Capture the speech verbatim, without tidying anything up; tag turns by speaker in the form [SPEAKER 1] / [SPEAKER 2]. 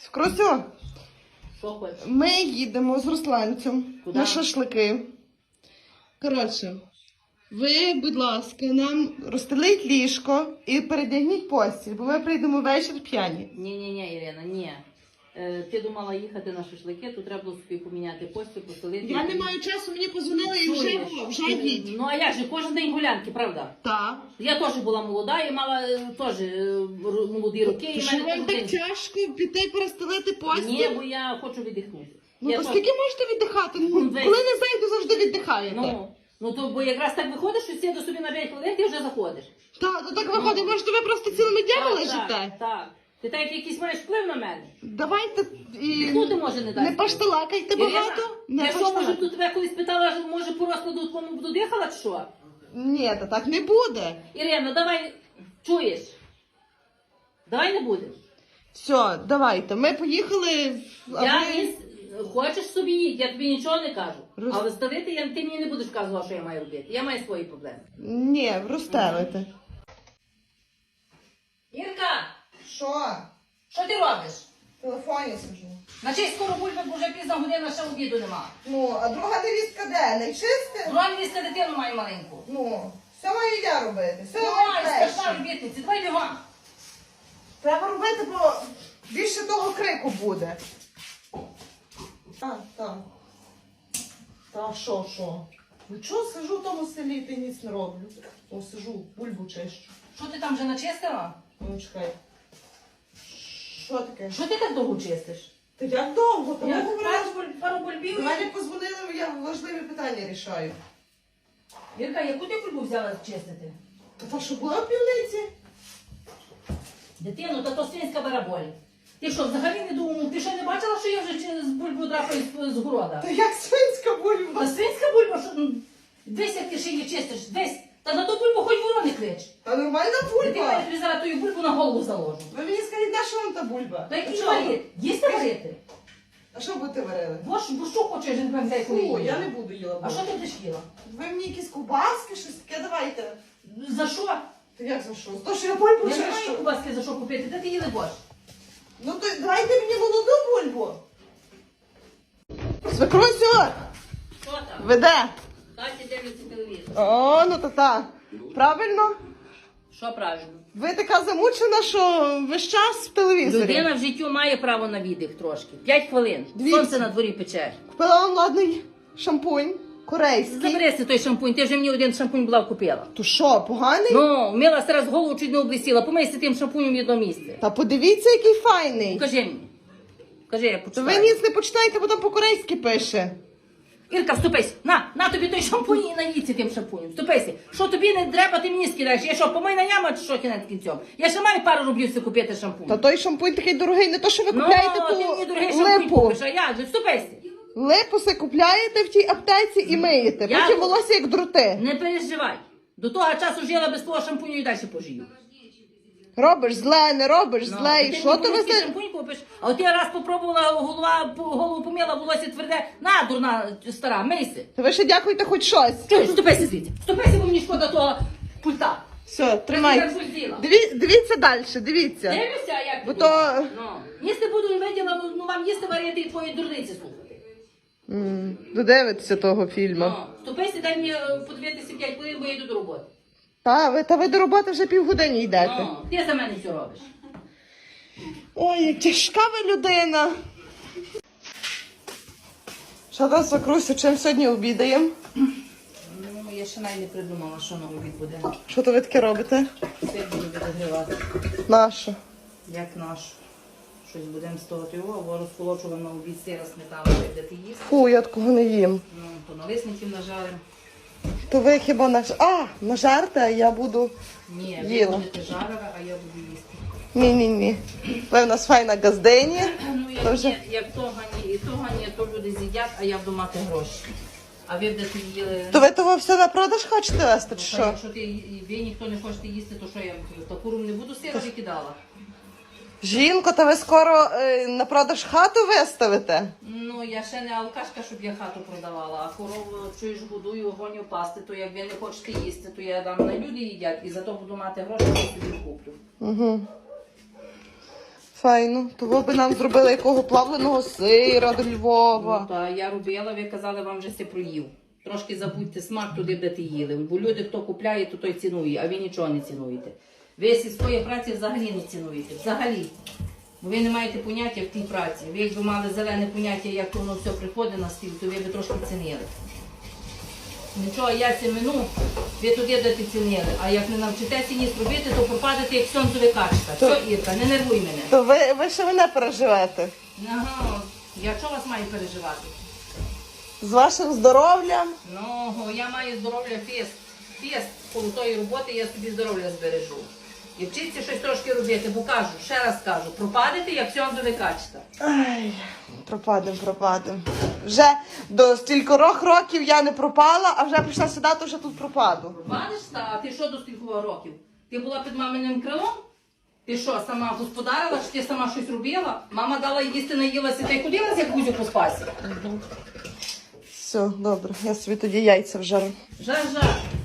[SPEAKER 1] Крусю,
[SPEAKER 2] Що хочеш?
[SPEAKER 1] ми їдемо з Русланцем
[SPEAKER 2] Куди?
[SPEAKER 1] на шашлики. Коротше, ви, будь ласка, нам розстеліть ліжко і передягніть постіль, бо ми прийдемо ввечері п'яні.
[SPEAKER 2] Ні-ні-ні, Ірина, ні. Е, ти думала їхати на шашлики, тут треба було собі поміняти постіль, постелити.
[SPEAKER 1] Я не маю часу, мені позвонили і вже, вже їдь.
[SPEAKER 2] Ну а як же, кожен день гулянки, правда?
[SPEAKER 1] Так.
[SPEAKER 2] Я теж була молода і мала е, теж е, ру- молоді роки.
[SPEAKER 1] То
[SPEAKER 2] І в
[SPEAKER 1] що
[SPEAKER 2] мене
[SPEAKER 1] вам
[SPEAKER 2] кожен
[SPEAKER 1] так
[SPEAKER 2] день-
[SPEAKER 1] тяжко піти і перестелити постіль?
[SPEAKER 2] Ні, бо я хочу віддихнути.
[SPEAKER 1] Ну
[SPEAKER 2] я
[SPEAKER 1] то
[SPEAKER 2] теж-
[SPEAKER 1] скільки можете віддихати? Ну,
[SPEAKER 2] Ну, весь.
[SPEAKER 1] коли не зайду, завжди віддихаєте.
[SPEAKER 2] Ну, ну то бо якраз так виходиш, що сіду собі на п'ять хвилин, ти вже заходиш.
[SPEAKER 1] Так, то так виходить, може ви просто цілими днями
[SPEAKER 2] Так,
[SPEAKER 1] лежите?
[SPEAKER 2] Так, так. Ти так якийсь маєш вплив на мене.
[SPEAKER 1] Давайте і
[SPEAKER 2] Ніхто ти може не дасть.
[SPEAKER 1] не пашталакайте багато.
[SPEAKER 2] Ірина,
[SPEAKER 1] Не
[SPEAKER 2] я що, може,
[SPEAKER 1] пашталакайте.
[SPEAKER 2] тут тебе колись питала, що, може, по розкладу твоєму буду дихала, чи що?
[SPEAKER 1] Ні, та так не буде.
[SPEAKER 2] Ірина, давай, чуєш? Давай не будеш.
[SPEAKER 1] Все, давайте. Ми поїхали. а
[SPEAKER 2] Я
[SPEAKER 1] ви-
[SPEAKER 2] із... Хочеш собі їдь, я тобі нічого не кажу.
[SPEAKER 1] Роз-
[SPEAKER 2] Але ставити, я, ти мені не будеш казувати, що я маю робити. Я маю свої проблеми.
[SPEAKER 1] Ні, розстелите.
[SPEAKER 2] Ірка,
[SPEAKER 1] Що?
[SPEAKER 2] що ти робиш?
[SPEAKER 1] В телефоні сиджу.
[SPEAKER 2] На честь скоро бульби, бо вже пізна година, ще обіду нема.
[SPEAKER 1] Ну, а друга невістка де? Не чисте?
[SPEAKER 2] Друга місце дитину маю маленьку.
[SPEAKER 1] Ну, все маю я робити. Все
[SPEAKER 2] Давай,
[SPEAKER 1] маю
[SPEAKER 2] страшна
[SPEAKER 1] перше.
[SPEAKER 2] робітниці, давай бігом.
[SPEAKER 1] Треба робити, бо більше того крику буде. Так, так. Та що, що? Ну чого сижу в тому селі, ти ніц не роблю. О, сижу, бульбу чищу.
[SPEAKER 2] Що ти там вже начистила?
[SPEAKER 1] Ну, чекай. Що таке?
[SPEAKER 2] Що ти так довго чистиш?
[SPEAKER 1] Та як довго? Та
[SPEAKER 2] Я
[SPEAKER 1] ми говорили.
[SPEAKER 2] пару буль- пару бульбів.
[SPEAKER 1] До мене позвонили, я важливі питання рішаю.
[SPEAKER 2] Вірка, яку ти бульбу взяла чистити?
[SPEAKER 1] Та та що була в півниці?
[SPEAKER 2] Дитину, та то свинська бараболь. Ти що, взагалі не думав? Ти що, не бачила, що я вже через бульбу драпаю з, з города?
[SPEAKER 1] Та як свинська
[SPEAKER 2] Та
[SPEAKER 1] бульба?
[SPEAKER 2] свинська бульба, що ну, десь як ти ще її чистиш, десь. Та на ту бульбу хоч ворони клич.
[SPEAKER 1] Та нормальна
[SPEAKER 2] Ти
[SPEAKER 1] бульба.
[SPEAKER 2] мене тобі зараз ту бульбу на голову заложу.
[SPEAKER 1] Ви мені скажіть, на що вам та бульба?
[SPEAKER 2] Та який
[SPEAKER 1] Що?
[SPEAKER 2] варити? Їсти варити?
[SPEAKER 1] А що будете варили?
[SPEAKER 2] Бо ж- бо що хочеш, я не пам'ятаю, коли
[SPEAKER 1] Фу,
[SPEAKER 2] їла.
[SPEAKER 1] я не буду їла.
[SPEAKER 2] А що ти будеш їла?
[SPEAKER 1] Ви мені якісь ковбаски, щось таке давайте.
[SPEAKER 2] За що?
[SPEAKER 1] Та як за що? За те, що я бульбу
[SPEAKER 2] Я не маю
[SPEAKER 1] чищу.
[SPEAKER 2] кубаски за що купити, де ти їли борщ?
[SPEAKER 1] Ну то давайте мені молоду бульбу. Свекрусю,
[SPEAKER 2] Що там?
[SPEAKER 1] веде.
[SPEAKER 2] Таті дивляться телевізор.
[SPEAKER 1] О, ну то так. Правильно?
[SPEAKER 2] Що правильно?
[SPEAKER 1] Ви така замучена, що весь час в телевізорі.
[SPEAKER 2] Людина в життю має право на віддих трошки. П'ять хвилин.
[SPEAKER 1] Дивіться.
[SPEAKER 2] Сонце на дворі пече.
[SPEAKER 1] Купила вам ладний шампунь, корейський.
[SPEAKER 2] Заберися той шампунь, ти вже мені один шампунь була купила.
[SPEAKER 1] То що, поганий?
[SPEAKER 2] Ну, мила зараз голову чуть не облисіла. Помийся тим шампунем в одно місце.
[SPEAKER 1] Та подивіться, який файний.
[SPEAKER 2] Покажи мені. Кажи, я
[SPEAKER 1] То
[SPEAKER 2] почитаю.
[SPEAKER 1] ви ніц не почитаєте, бо там по-корейськи пише.
[SPEAKER 2] Ірка, вступайся. На, на тобі той шампунь і наїдься тим шампунем. Вступайся. Що тобі не треба, ти мені скидаєш. Я що, помийна яма чи що кінець кінцем? Я ще маю пару рублів си купити шампунь.
[SPEAKER 1] Та той шампунь такий дорогий, не то, що ви
[SPEAKER 2] Ну,
[SPEAKER 1] купляєте
[SPEAKER 2] ти мені
[SPEAKER 1] ту
[SPEAKER 2] дорогий шампунь
[SPEAKER 1] липу.
[SPEAKER 2] купиш, а як же? Вступайся.
[SPEAKER 1] Липу се купляєте в тій аптеці і миєте.
[SPEAKER 2] Я-
[SPEAKER 1] Потім волосся як дроти.
[SPEAKER 2] Не переживай. До того часу жила без твого шампуню і далі пожию.
[SPEAKER 1] Робиш зле, не робиш зле. І
[SPEAKER 2] ти
[SPEAKER 1] що
[SPEAKER 2] мені
[SPEAKER 1] то ви
[SPEAKER 2] поліський
[SPEAKER 1] за...
[SPEAKER 2] шампунь купиш? А от я раз попробувала, голова, по- голову помила, волосся тверде. На, дурна стара, мийся.
[SPEAKER 1] Та ви ще дякуйте хоч щось.
[SPEAKER 2] Чуєш, ступайся звідси. Ступайся, бо мені шкода того пульта.
[SPEAKER 1] Все,
[SPEAKER 2] Я
[SPEAKER 1] тримайте.
[SPEAKER 2] так зуділа.
[SPEAKER 1] Диві... Дивіться далі, дивіться.
[SPEAKER 2] Дивишся, а як
[SPEAKER 1] Бо
[SPEAKER 2] ти
[SPEAKER 1] то-
[SPEAKER 2] думаєш? Ну, їсти буду виділа, ну вам їсти варити і твої дурниці слухати.
[SPEAKER 1] М, Додивитися того фільму.
[SPEAKER 2] Ну, ступайся, дай мені е, подивитися п'ять хвилин, бо я йду до роботи.
[SPEAKER 1] Та ви, та ви до роботи вже півгодини йдете.
[SPEAKER 2] Ну, ти за мене все робиш.
[SPEAKER 1] Ой, як тяжка ви людина. Що там, свекрусю, чим сьогодні обідаємо?
[SPEAKER 2] Ну, я ще навіть не придумала, що на обід буде.
[SPEAKER 1] Що то ви таке робите?
[SPEAKER 2] Все буду відогрівати.
[SPEAKER 1] Нащо?
[SPEAKER 2] Як наш. Щось будемо з того його, або розколочував на обід сира сметану, де ти їсти.
[SPEAKER 1] Фу, я такого не їм.
[SPEAKER 2] Ну, то налисників нажаримо.
[SPEAKER 1] То ви хіба наж... А, нажарте, а я буду...
[SPEAKER 2] Ні,
[SPEAKER 1] Їла.
[SPEAKER 2] ви будете жарила, а я буду їсти.
[SPEAKER 1] Ні-ні-ні. Ви в нас файна газдині.
[SPEAKER 2] Ну,
[SPEAKER 1] То
[SPEAKER 2] як,
[SPEAKER 1] вже-
[SPEAKER 2] ні, як того ні, і того ні, то люди з'їдять, а я буду мати гроші. А ви будете їли...
[SPEAKER 1] То ви того все на продаж хочете вести, чи
[SPEAKER 2] Та
[SPEAKER 1] що?
[SPEAKER 2] Якщо ти, і ви ніхто не хочете їсти, то що я буду? Та куру не буду сира викидала.
[SPEAKER 1] Жінко, та ви скоро е, на продаж хату виставите?
[SPEAKER 2] Ну, я ще не алкашка, щоб я хату продавала, а корову, чуєш, годую, гоню пасти, то як ви не хочете їсти, то я дам на люди їдять, і зато буду мати гроші, то собі куплю.
[SPEAKER 1] Угу. Файно. Того би нам зробили якого плавленого сира до Львова.
[SPEAKER 2] Ну, та я робила, ви казали, вам вже все проїв. Трошки забудьте смак туди, де ти їли. Бо люди, хто купляє, то той цінує, а ви нічого не цінуєте. Ви сільської праці взагалі не цінуєте. Взагалі. Бо ви не маєте поняття в тій праці. Ви якби мали зелене поняття, як воно все приходить на стіл, то ви б трошки цінили. Нічого, я сімену, ви туди де ти цінили. А як не навчитеся ніс робити, то пропадете як сонцеве качка.
[SPEAKER 1] То-
[SPEAKER 2] Все, Ірка, не нервуй мене.
[SPEAKER 1] То ви, ви ще мене переживете.
[SPEAKER 2] Ага, я чого вас маю переживати?
[SPEAKER 1] З вашим здоров'ям.
[SPEAKER 2] Ну, я маю здоров'я фест. Фест коло тої роботи я собі здоров'я збережу. І вчіться щось трошки робити, бо кажу, ще раз кажу, пропадете, як сонцеве качка.
[SPEAKER 1] Ай, пропадем, пропадем. Вже до стількох років я не пропала, а вже прийшла сюди, то вже тут пропаду.
[SPEAKER 2] Пропадеш, та? А ти що до стількох років? Ти була під маминим крилом? Ти що, сама господарила, чи ти сама щось робила? Мама дала їсти, наїлася, та й ходила, як гузю по спасі?
[SPEAKER 1] Все, добре, я собі тоді яйця вжарю.
[SPEAKER 2] Жар-жар.